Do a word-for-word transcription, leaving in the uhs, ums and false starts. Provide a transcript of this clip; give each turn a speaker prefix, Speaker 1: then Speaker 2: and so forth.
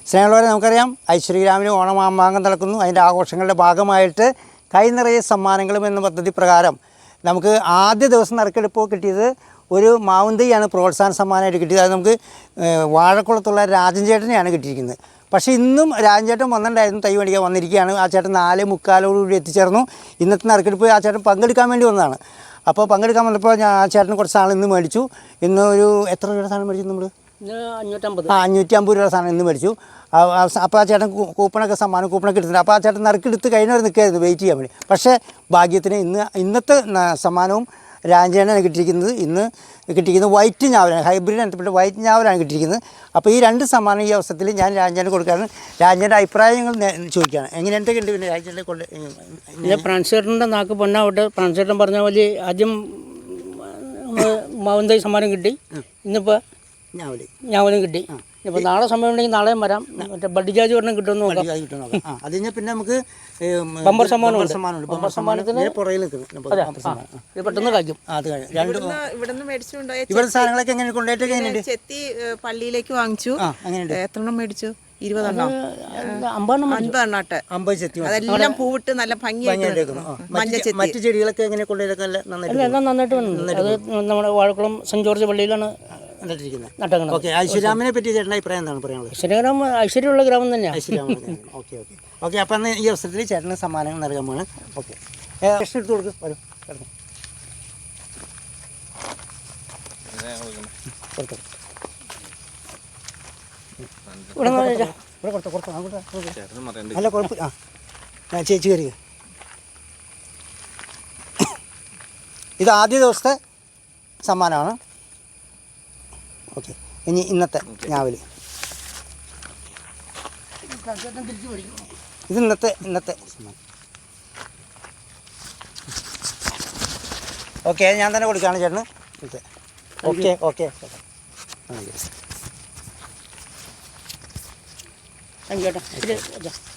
Speaker 1: സ്നേഹമുള്ളവരെ, നമുക്കറിയാം ഐശ്വര്യഗ്രാമിന് ഓണമാമാങ്കം നടക്കുന്നു. അതിൻ്റെ ആഘോഷങ്ങളുടെ ഭാഗമായിട്ട് കൈ നിറയെ സമ്മാനങ്ങളും എന്ന പദ്ധതി പ്രകാരം നമുക്ക് ആദ്യ ദിവസം നറുക്കെടുപ്പോൾ കിട്ടിയത് ഒരു മാവും തൈയാണ് പ്രോത്സാഹന സമ്മാനമായിട്ട് കിട്ടിയത്. അത് നമുക്ക് വാഴക്കുളത്തുള്ള രാജൻ ചേട്ടനെയാണ് കിട്ടിയിരിക്കുന്നത്. പക്ഷേ ഇന്നും രാജൻ ചേട്ടൻ വന്നിട്ടുണ്ടായിരുന്നു, തൈ മേടിക്കാൻ വന്നിരിക്കുകയാണ്. ആ ചേട്ടൻ നാല് മുക്കാലോടുകൂടി എത്തിച്ചേർന്നു. ഇന്നത്തെ നറുക്കെടുപ്പ് ആ ചേട്ടൻ പങ്കെടുക്കാൻ വേണ്ടി വന്നതാണ്. അപ്പോൾ പങ്കെടുക്കാൻ വന്നപ്പോൾ ഞാൻ ആ ചേട്ടന് കുറച്ച് സാധനം ഇന്ന് മേടിച്ചു. ഇന്ന് ഒരു എത്ര രൂപയുടെ സാധനം മേടിച്ചു നമ്മൾ?
Speaker 2: അഞ്ഞൂറ്റമ്പത്
Speaker 1: ആ അഞ്ഞൂറ്റി അമ്പത് രൂപ സാധനം ഇന്ന് മേടിച്ചു. അപ്പോൾ ആ ചേട്ടൻ കൂപ്പണൊക്കെ സമ്മാനം കൂപ്പണൊക്കെ എടുത്തിട്ടുണ്ട്. അപ്പോൾ ആ ചേട്ടൻ നറുക്കെടുത്ത് കഴിഞ്ഞവർ നിൽക്കായിരുന്നു വെയിറ്റ് ചെയ്യാൻ വേണ്ടി. പക്ഷേ ഭാഗ്യത്തിന് ഇന്ന് ഇന്നത്തെ സമ്മാനവും രാജേനാണ് കിട്ടിയിരിക്കുന്നത്. ഇന്ന് കിട്ടിയിരിക്കുന്നത് വൈറ്റ് ഞാവലാണ്, ഹൈബ്രിഡ് ഇനത്തിൽപ്പെട്ട വൈറ്റ് ഞാവലാണ് കിട്ടിയിരിക്കുന്നത്. അപ്പോൾ ഈ രണ്ട് സമ്മാനം ഈ അവസരത്തിൽ ഞാൻ രാജേനെ കൊടുക്കാറ്. രാജേൻ്റെ അഭിപ്രായങ്ങൾ ചോദിക്കുകയാണ്. എങ്ങനെ എന്തൊക്കെ ഉണ്ട് പിന്നെ രാജേൻ്റെ കൊണ്ട്?
Speaker 2: ഇത് ഫ്രാൻസേട്ടൻ്റെ നാക്ക് പൊന്നാവട്ടെ. ഫ്രാൻസേട്ടൻ പറഞ്ഞ പോലെ ആദ്യം മാവന്തൈ സമ്മാനം കിട്ടി, ഇന്നിപ്പോൾ
Speaker 1: ഞാവല്
Speaker 2: ഞാവലും കിട്ടി. ഇപ്പോൾ നാളെ സമയം ഉണ്ടെങ്കിൽ നാളെയും വരാം. മറ്റേ ബഡ്ജാജ് പറഞ്ഞാൽ കിട്ടുമെന്ന് നോക്കാം.
Speaker 1: അത് കഴിഞ്ഞാൽ പിന്നെ നമുക്ക്
Speaker 2: ബമ്പർ സമ്മാനമുണ്ട്.
Speaker 1: സമ്മാനമുണ്ട്.
Speaker 2: ബമ്പർ സമ്മാനത്തിന്
Speaker 1: പുറകിൽ
Speaker 2: ഇത് പെട്ടെന്ന് കഴിക്കും.
Speaker 1: അത് രണ്ട്
Speaker 3: ഇവിടുന്ന് മേടിച്ചുകൊണ്ടുപോയ
Speaker 1: ഇവിടെ സാധനങ്ങളൊക്കെ എങ്ങനെ കൊണ്ടുപോയിട്ടൊക്കെ എങ്ങനെയുണ്ട്?
Speaker 3: ചെത്തി പള്ളിയിലേക്ക് വാങ്ങിച്ചു.
Speaker 1: അങ്ങനെയുണ്ട്.
Speaker 3: എത്രണ്ണം മേടിച്ചു? ഇരുപതെണ്ണം
Speaker 2: അമ്പതെണ്ണം
Speaker 3: അൻപതെണ്ണാട്ടെ.
Speaker 1: അമ്പത് ചെത്തി
Speaker 3: അതെല്ലാം പൂവിട്ട് നല്ല ഭംഗിയായിട്ട്
Speaker 1: മറ്റു ചെടികളൊക്കെ എങ്ങനെ കൊണ്ടുപോയൊക്കെ നന്നായിട്ട്
Speaker 2: എല്ലാം നന്നായിട്ട് വന്നു. അത് നമ്മുടെ വാഴക്കുളം സെൻറ്റ് ജോർജ് പള്ളിയിലാണ് നട്ടങ്ങണം.
Speaker 1: ഓക്കെ, ഐശ്വര്യാമിനെ പറ്റി ചേട്ടൻ്റെ അഭിപ്രായം എന്താണ് പറയാനുള്ളത്?
Speaker 2: ഐശ്വര്യഗ്രാമം ഐശ്വര്യമുള്ള ഗ്രാമം തന്നെയാണ്.
Speaker 1: ഐശ്വര്യാമ. ഓക്കെ ഓക്കെ ഓക്കെ അപ്പം അന്ന് ഈ അവസരത്തിൽ ചേട്ടന് സമ്മാനങ്ങൾ നൽകാൻ പോകണം. ഓക്കെ, പ്രശ്നം എടുത്ത് കൊടുക്കും. വരും കിടന്നു കൊടുത്തു
Speaker 2: ഇവിടെ
Speaker 1: ഇവിടെ കൊടുത്തോ കൊടുത്തോ അല്ല കുഴപ്പമില്ല. ആ ചേച്ചി കയറി. ഇത് ആദ്യ ദിവസത്തെ സമ്മാനമാണ്. ഓക്കെ, ഇനി ഇന്നത്തെ ഞാവല്. ഇത് ഇന്നത്തെ ഇന്നത്തെ സമ്മാനം. ഓക്കെ, ഞാൻ തന്നെ കൊടുക്കുകയാണ് ചേട്ടന്. Okay okay okay
Speaker 2: thank you ചേട്ടാ.